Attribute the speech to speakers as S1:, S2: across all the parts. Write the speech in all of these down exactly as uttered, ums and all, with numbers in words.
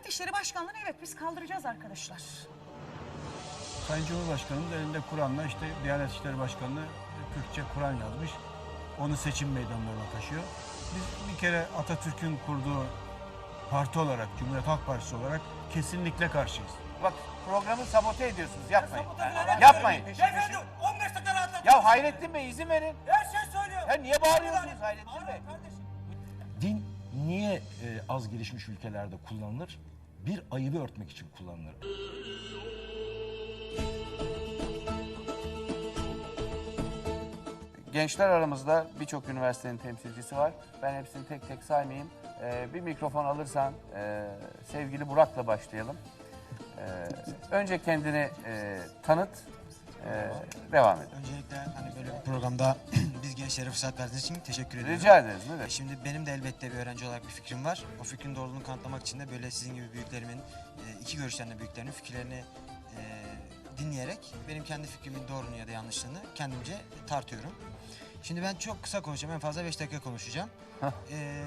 S1: Diyanet İşleri Başkanlığı'nı evet biz kaldıracağız arkadaşlar.
S2: Sayın Cumhurbaşkanımız elinde Kur'an'la işte Diyanet İşleri Başkanlığı Kürtçe Kur'an yazmış. Onu seçim meydanlarına taşıyor. Biz bir kere Atatürk'ün kurduğu parti olarak, Cumhuriyet Halk Partisi olarak kesinlikle karşıyız.
S3: Bak programı sabote ediyorsunuz. Yapmayın.
S4: Sabote
S3: Yapmayın.
S4: Beyefendi on beş dakika rahatlatın.
S3: Ya Hayrettin Bey izin verin.
S4: Her şey söylüyor.
S3: Ya niye bağırıyorsunuz Hayrettin Bey?
S4: Kardeşim.
S5: Din niye e, az gelişmiş ülkelerde kullanılır? Bir ayıbı örtmek için kullanılır.
S3: Gençler aramızda birçok üniversitenin temsilcisi var. Ben hepsini tek tek saymayayım. Ee, bir mikrofon alırsan e, sevgili Burak'la başlayalım. Ee, önce kendini e, tanıt, e, devam edelim.
S6: Öncelikle hani böyle bir programda biz gençlere fırsat verdiğiniz için teşekkür ediyorum.
S3: Rica ederiz. Ne demek?
S6: Şimdi benim de elbette bir öğrenci olarak bir fikrim var. O fikrin doğruluğunu kanıtlamak için de böyle sizin gibi büyüklerimin, e, iki görüşten de büyüklerimin fikirlerini e, dinleyerek benim kendi fikrimin doğruluğunu ya da yanlışlığını kendimce tartıyorum. Şimdi ben çok kısa konuşacağım. En fazla beş dakika konuşacağım. ee,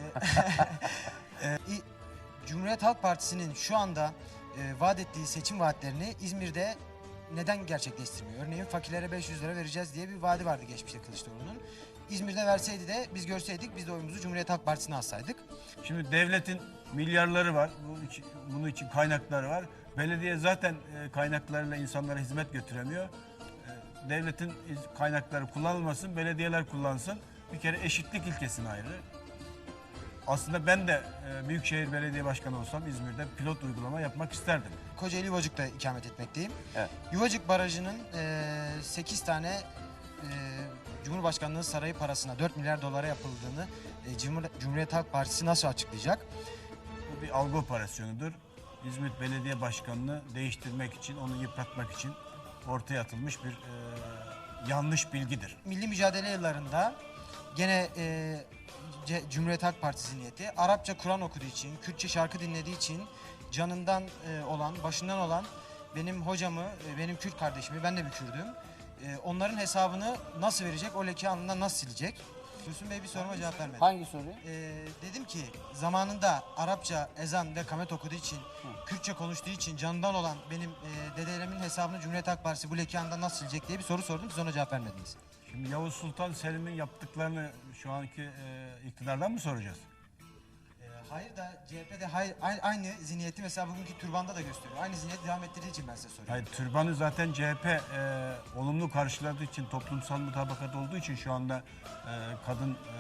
S6: e, Cumhuriyet Halk Partisi'nin şu anda e, vaat ettiği seçim vaatlerini İzmir'de neden gerçekleştirmiyor? Örneğin fakirlere beş yüz lira vereceğiz diye bir vaadi vardı geçmişte Kılıçdaroğlu'nun. İzmir'de verseydi de biz görseydik, biz de oyumuzu Cumhuriyet Halk Partisi'ne alsaydık.
S2: Şimdi devletin milyarları var, bunun için, bunun için kaynakları var. Belediye zaten e, kaynaklarıyla insanlara hizmet götüremiyor. E, devletin kaynakları kullanılmasın, belediyeler kullansın. Bir kere eşitlik ilkesine ayrı. Aslında ben de e, Büyükşehir Belediye Başkanı olsam İzmir'de pilot uygulama yapmak isterdim.
S6: Kocaeli Yuvacık'ta ikamet etmekteyim.
S3: Evet.
S6: Yuvacık Barajı'nın e, sekiz tane e, Cumhurbaşkanlığı sarayı parasına dört milyar dolara yapıldığını e, Cumhur Cumhuriyet Halk Partisi nasıl açıklayacak?
S2: Bu bir algı operasyonudur. İzmit Belediye Başkanı'nı değiştirmek için, onu yıpratmak için ortaya atılmış bir e, yanlış bilgidir.
S6: Milli mücadele yıllarında gene e, C- Cumhuriyet Halk Partisi niyeti Arapça Kur'an okuduğu için, Kürtçe şarkı dinlediği için canından e, olan, başından olan benim hocamı, e, benim Kürt kardeşimi, ben de bir Kürdüm. E, onların hesabını nasıl verecek, o leke alnından nasıl silecek? Dursun Bey bir soruma cevap vermedi.
S3: Hangi soruyu?
S6: E, dedim ki zamanında Arapça ezan ve kamet okuduğu için, Kürtçe konuştuğu için canından olan benim e, dedelerimin hesabını Cumhuriyet Halk Partisi bu leke alnından nasıl silecek diye bir soru sordum. Siz ona cevap vermediniz.
S2: Şimdi Yavuz Sultan Selim'in yaptıklarını şu anki e, iktidardan mı soracağız?
S6: Ee, Hayır da C H P'de hayır, aynı, aynı zihniyeti mesela bugünkü türbanda da gösteriyor. Aynı zihniyet devam ettirdiği için ben size soruyorum.
S2: Hayır, türbanı zaten C H P e, olumlu karşıladığı için, toplumsal mutabakat olduğu için şu anda e, kadın e,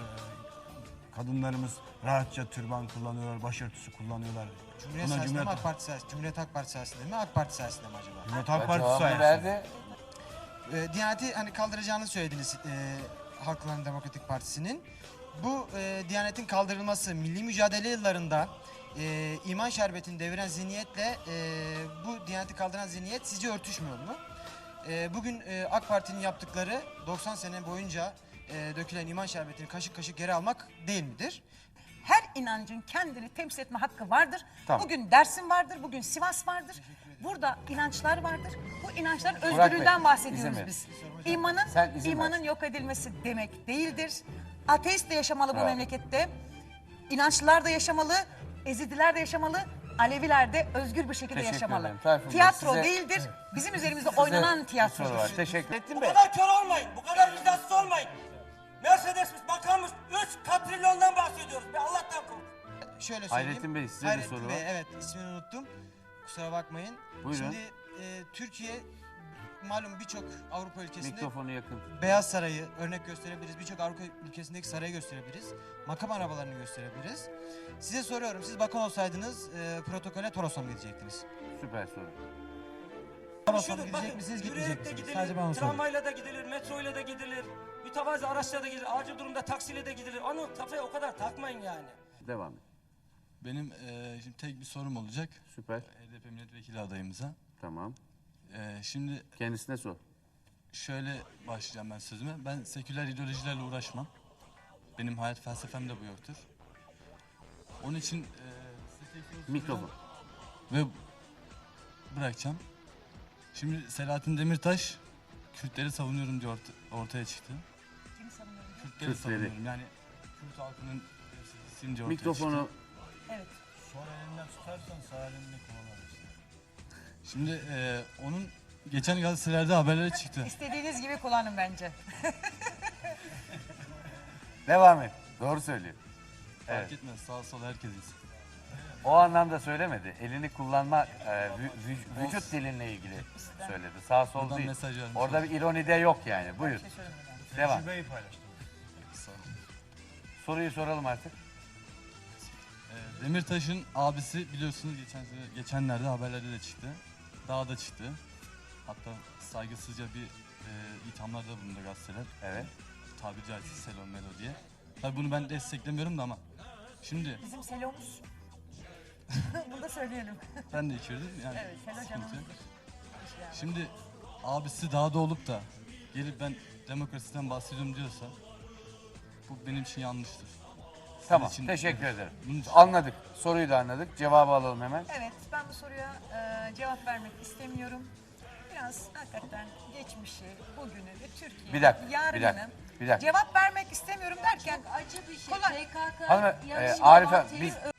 S2: kadınlarımız rahatça türban kullanıyorlar, başörtüsü kullanıyorlar.
S6: Cumhuriyet
S2: Buna
S6: sayesinde mi
S2: Cumhuriyet-
S6: AK Parti sayesinde, Cumhuriyet Halk Partisi sayesinde mi AK Parti sayesinde mi acaba?
S2: Cumhuriyet Halk
S3: Ya
S2: Partisi
S3: cevabını
S2: sayesinde.
S3: verdi.
S6: Ee, Diyaneti hani kaldıracağını söylediniz e, Halkların Demokratik Partisi'nin. Bu e, Diyanet'in kaldırılması milli mücadele yıllarında e, iman şerbetini deviren zihniyetle e, bu Diyanet'i kaldıran zihniyet sizce örtüşmüyor mu? E, bugün e, AK Parti'nin yaptıkları doksan sene boyunca e, dökülen iman şerbetini kaşık kaşık geri almak değil midir?
S1: Her inancın kendini temsil etme hakkı vardır.
S3: Tamam.
S1: Bugün Dersim vardır, bugün Sivas vardır. Burada inançlar vardır. Bu inançların
S3: Bey,
S1: özgürlüğünden
S3: izin
S1: bahsediyoruz
S3: verin.
S1: biz. İmanın,
S3: Sen izin
S1: imanın
S3: ver.
S1: yok edilmesi demek değildir. Ateist de yaşamalı bu
S3: Bravo.
S1: memlekette. İnançlılar da yaşamalı, Ezidiler de yaşamalı, Aleviler de özgür bir şekilde
S3: Teşekkür
S1: yaşamalı.
S3: ederim. Tayfun Bey,
S1: Tiyatro
S3: size-
S1: değildir, bizim üzerimizde
S3: Size
S1: oynanan
S3: bir
S1: tiyatrodur.
S3: soru var. Teşekkür ettim
S4: Bu
S3: Bey.
S4: kadar kör olmayın. Bu kadar vicdansız olmayın. Mercedes'miş, makammış. Üç katrilyondan bahsediyoruz. Bir Allah'tan korkun.
S6: Şöyle söyleyeyim.
S3: Hayrettin Bey, size bir
S6: Hayrettin
S3: soru
S6: Bey,
S3: var.
S6: evet ismini unuttum. Kusura bakmayın.
S3: Buyurun.
S6: Şimdi e, Türkiye malum birçok Avrupa ülkesinde
S3: Mikrofonu yakın.
S6: Beyaz Sarayı örnek gösterebiliriz. Birçok Avrupa ülkesindeki sarayı gösterebiliriz. Makam arabalarını gösterebiliriz. Size soruyorum, siz bakan olsaydınız e, protokole Toros'a mı gidecektiniz?
S3: Süper soru.
S6: Toros'a mı
S4: Şudur,
S6: gidecek
S4: bakın,
S6: misiniz,
S4: yürüyerek
S6: gitmeyecek
S4: de
S6: misiniz?
S4: gidilir,
S6: Sadece bana sorun.
S4: tramvayla da gidilir, metroyla da gidilir. Mütevazi araçla da gidilir, acil durumda taksiyle de gidilir. Onu kafaya o kadar takmayın yani.
S3: Devam et.
S7: Benim eee, şimdi tek bir sorum olacak
S3: Süper.
S7: H D P milletvekili adayımıza.
S3: Tamam.
S7: Eee, şimdi
S3: Kendisine sor.
S7: şöyle başlayacağım ben sözüme. Ben seküler ideolojilerle uğraşmam. Benim hayat felsefem de bu yoktur. Onun için eee size tek soru
S3: Mikrofon.
S7: soracağım ve bırakacağım. Şimdi Selahattin Demirtaş Kürtleri savunuyorum diye orta- ortaya çıktı.
S1: Kimi savunuyorum?
S7: Kürtleri
S3: Kürtleri.
S7: savunuyorum yani Kürt halkının temsilcisiyim diye ortaya
S3: Mikrofonu
S7: çıktı.
S1: Evet.
S2: Sol elinden tutarsan sağ elini kullanırsın.
S7: Şimdi e, onun geçen gazetelerde haberleri çıktı.
S1: İstediğiniz gibi kullanın bence.
S3: Devam et. Doğru söylüyor. Evet.
S7: Fark etmez, sağ sol herkes insin.
S3: O anlamda söylemedi. Elini kullanma, e, vü- vü- vücut dilinle ilgili söyledi. Sağ sol
S7: Buradan
S3: değil.
S7: mesaj vermiş
S3: Orada bir ironi de yok yani. Buyur.
S1: Bir şey söylemedim yani.
S3: Devam.
S2: Tecrübeyi paylaştım.
S7: Sağ ol.
S3: Soruyu soralım artık.
S7: E, Demirtaş'ın abisi biliyorsunuz geçen sene, geçenlerde haberlerde de çıktı. Daha da çıktı. Hatta saygısızca bir e, ithamlarda bulundu gazeteler.
S3: Evet.
S7: Tabiri caizse Selo Melo diye. Tabii bunu ben desteklemiyorum da ama şimdi
S1: Bizim Selomuz. Bunu da söyleyelim.
S7: ben de içirdim yani
S1: Evet, Selo
S7: sıkıntı.
S1: canımızdır.
S7: yok.
S1: Yani.
S7: Şimdi abisi dağda olup da gelip ben demokrasiden bahsediyorum diyorsa bu benim için yanlıştır. Sizin
S3: Tamam.
S7: için-
S3: Teşekkür ederim.
S7: Bunun için-
S3: Anladık. Soruyu da anladık. Cevabı alalım hemen.
S1: Evet, ben bu soruya e, cevap vermek istemiyorum. Biraz hakikaten geçmişi, bugünü ve Türkiye'nin
S3: Bir dakika, bir
S1: yarınını
S3: dakika, bir dakika.
S1: cevap vermek istemiyorum derken
S8: Acı bir şey.
S1: Kolay.
S8: P K K
S3: Hanım, e,
S8: yarışma
S3: Arife,
S8: mantığıyla
S3: biz